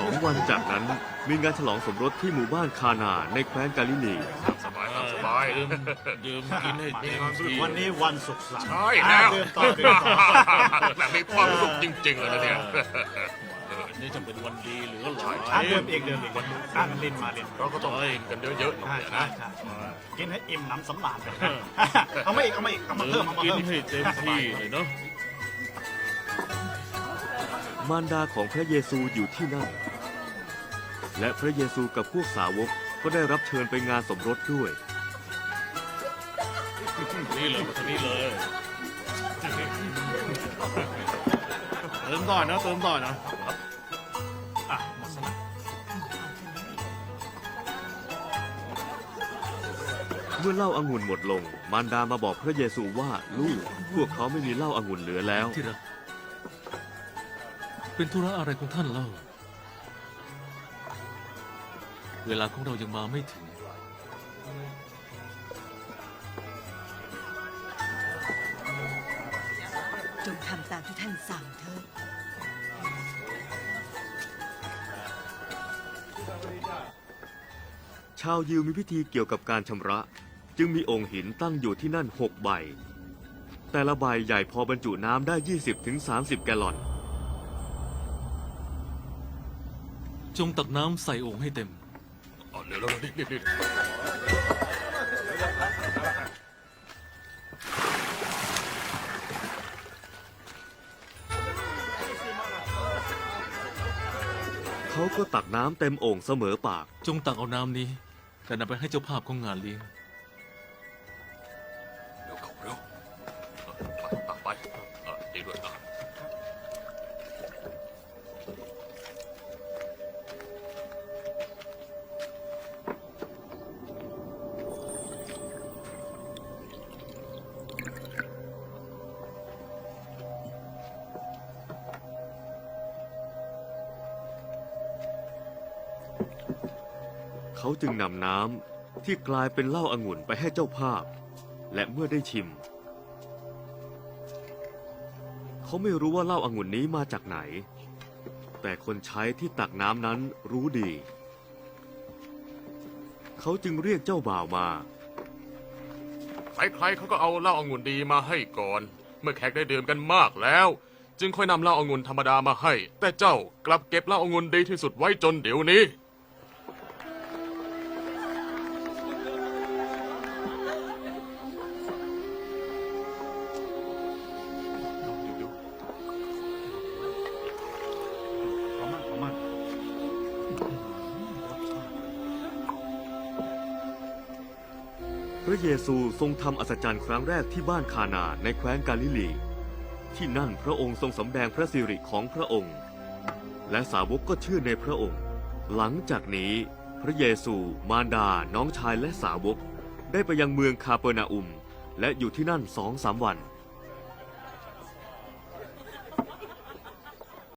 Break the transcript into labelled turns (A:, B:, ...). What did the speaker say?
A: 2 วันจากนั้นมีงานฉลองสมรสที่หมู่บ้านคานาในแคว้นกาลิลี
B: สบายสบาย
C: ดื่มกินให้เต็มที่
D: วันนี้วันสุขสันต์
B: ใช่แล้ว
D: เริ่มต่อเริ่มต่อ
B: แบบมีความสุขจริงๆเลยนะเนี่ย
C: นี่จะเป็นวันดีเหลือหลาย
D: เดิมอีกตั้งเล่นมาเล่น
B: เราก็ต้องกินกันเยอะๆหน่อย
D: ใช่
B: นะ
D: ใช่กินให้อิ่มหนำสำราญกันเอามาอีกเอามาอีกเอามา
C: ดื่
D: เพิ่
C: ม
D: มเอามา
C: กิน
D: เพิ่ม
C: ให้เต็มที่เลยเนาะ
A: มารดาของพระเยซูอยู่ที่นั่น และพระเยซูกับพวกสาวกก็ได้รับเชิญไปงานสมรสด้วย
C: นี่เลยมาทางนี้เลยเติมต่อนะเติมต่อนะ
D: อ่ะหมดสนะ
A: เมื่อเหล้าองุ่นหมดลง มารดามาบอกพระเยซูว่าลูกพวกเขาไม่มีเหล้าองุ่นเหลือแล้ว
E: ที่รักเป็นธุระอะไรของท่านเล่า เวลาของเรายังมาไม่ถึง
F: จงทำตามที่ท่านสั่งเถิด
A: ชาวยิวมีพิธีเกี่ยวกับการชำระ จึงมีองค์หินตั้งอยู่ที่นั่น6 ใบ แต่ละใบใหญ่พอบรรจุน้ำได้ 20-30 แกลลอน
E: จงตักน้ำใส่โอ่งให้เต็ม
B: เดี๋ยวรีบ
A: เขาก็ตักน้ำเต็มโอ่งเสมอปาก
E: จงตักเอาน้ำนี้ แต่นำไปให้เจ้าภาพของงานเลี้ยง
B: เดี๋ยวเขาเร็วตักไปดีด้วย
A: เขาจึงนำน้ำที่กลายเป็นเหล้าองุ่นไปให้เจ้าภาพ และเมื่อได้ชิม เขาไม่รู้ว่าเหล้าองุ่นนี้มาจากไหน แต่คนใช้ที่ตักน้ำนั้นรู้ดี เขาจึงเรียกเจ้าบ่าวมา
B: ใครๆเขาก็เอาเหล้าองุ่นดีมาให้ก่อน เมื่อแขกได้ดื่มกันมากแล้ว จึงค่อยนำเหล้าองุ่นธรรมดามาให้ แต่เจ้ากลับเก็บเหล้าองุ่นดีที่สุดไว้จนเดี๋ยวนี้
D: ของมัน
A: พระเยซูทรงทำอัศจรรย์ครั้งแรกที่บ้านคานาในแคว้นกาลิลี ที่นั่นพระองค์ทรงสำแดงพระสิริของพระองค์ และสาวกก็เชื่อในพระองค์ หลังจากนี้พระเยซูมารดาน้องชายและสาวกได้ไปยังเมืองคาเปอร์นาอุม และอยู่ที่นั่น2-3 วัน